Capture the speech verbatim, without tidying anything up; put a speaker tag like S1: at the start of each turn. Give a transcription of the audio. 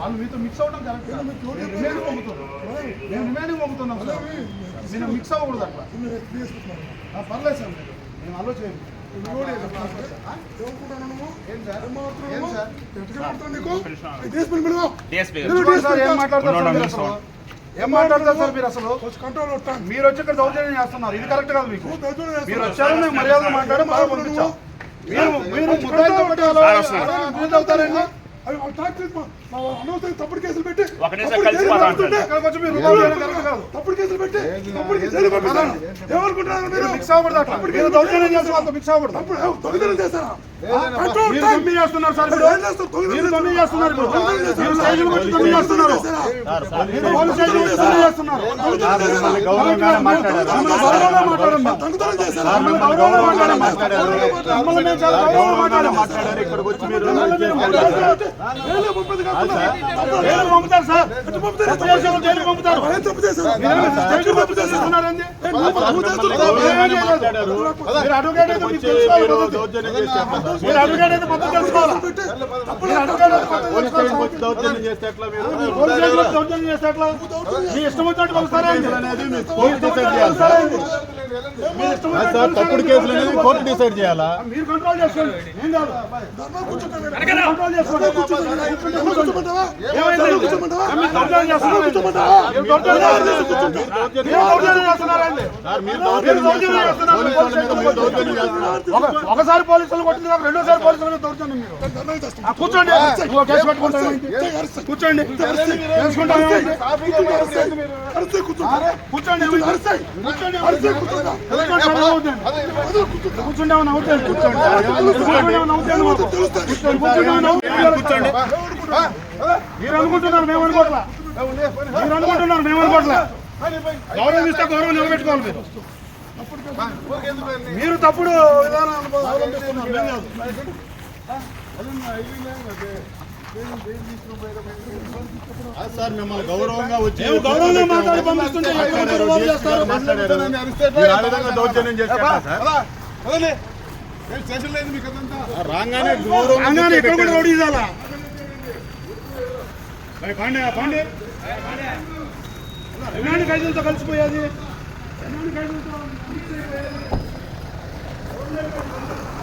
S1: వాళ్ళు మీతో మిక్స్ అవ్వడం కరెక్ట్ కాదు. రిమైనింగ్ పంపుతున్నాం మేము రిమైనింగ్ పంపుతున్నాం సార్. నేను మిక్స్ అవ్వకూడదు అట్లా. పర్లేదు సార్ మీరు మేము అలో చేయండి. ఏం మాట్లాడతారు సార్ మీరు? అసలు మీరు వచ్చి ఇక్కడ దౌర్జన్యం చేస్తున్నారు. ఇది కరెక్ట్ కాదు. మీకు మీరు వచ్చారు మేము మర్యాదగా మాట్లాడడం బాగా పంపించాం. మీరు మీరు అవుతారండి. తప్పుడు కేసులు పెట్టి తప్పుడు కేసులు పెట్టి ఏమనుకుంటున్నారు మీరు? మిక్స్ అవ్వకూడదు. దౌర్జన్యం చేసి వాళ్ళతో మిక్స్ అవ్వకూడదు. దొంగతనం చేస్తారా? తొమ్మిది చేస్తున్నారు సార్. మీరు తొమ్మిది చేస్తున్నారు. మీరు స్టేషన్ వచ్చి తొమ్మిది చేస్తున్నారు. పోలీస్ స్టేషన్ వచ్చి తొమ్మిది చేస్తున్నారు. పంపుతారు సార్. జైలు పంపుతారు. మీరు అడ్వకేట్ అయితే మీరు అడ్వకేట్ అయితే మొత్తం తెలుసుకోవాలి. మీరు అడ్వకేట్ దౌర్జన్యం చేస్తే ఎట్లా? మీరు దౌర్జన్యం చేస్తే ఎట్లా? మీ ఇష్టం వచ్చినట్టు కొలుస్తారా? తప్పుడు కేసులు అనేది కోర్టు డిసైడ్ చేయాలా? మీరు కంట్రోల్ చేసుకోండి. ఏం కాదు. కంట్రోల్ చేసుకోండి. ఒకసారి పోలీసులు కొట్టింది కాదు, రెండోసారి పోలీసులు దౌర్జన్యం. మీరు కూర్చోండి. కేసు పెట్టుకుంటాను. కూర్చోండి. చేసుకుంటాను. కూర్చోండి. కూర్చుంటామని అవుతాను. కూర్చోండి. మీరు అనుకుంటున్నారు మేము అనుకోవట్లా. మీరు అనుకుంటున్నారు మేము అనుకోవట్లా. గౌరవం ఇస్తే గౌరవం నిలబెట్టుకోవాలి. మీరు మీరు తప్పుడు విధానం అవలంబిస్తున్నారు. సార్ మిమ్మల్ని గౌరవంగా వచ్చి గౌరవంగా మాట్లాడి పంపిస్తుంటే దౌర్జన్యం చేస్తారు. రాగానే రాగానే ఇక్కడ కూడా రౌడీ ఇవ్వాలా? పాండే పాండే ఎలాంటి ఖైదీలతో కలిసిపోయేది? ఎలాంటి ఖైదీలతో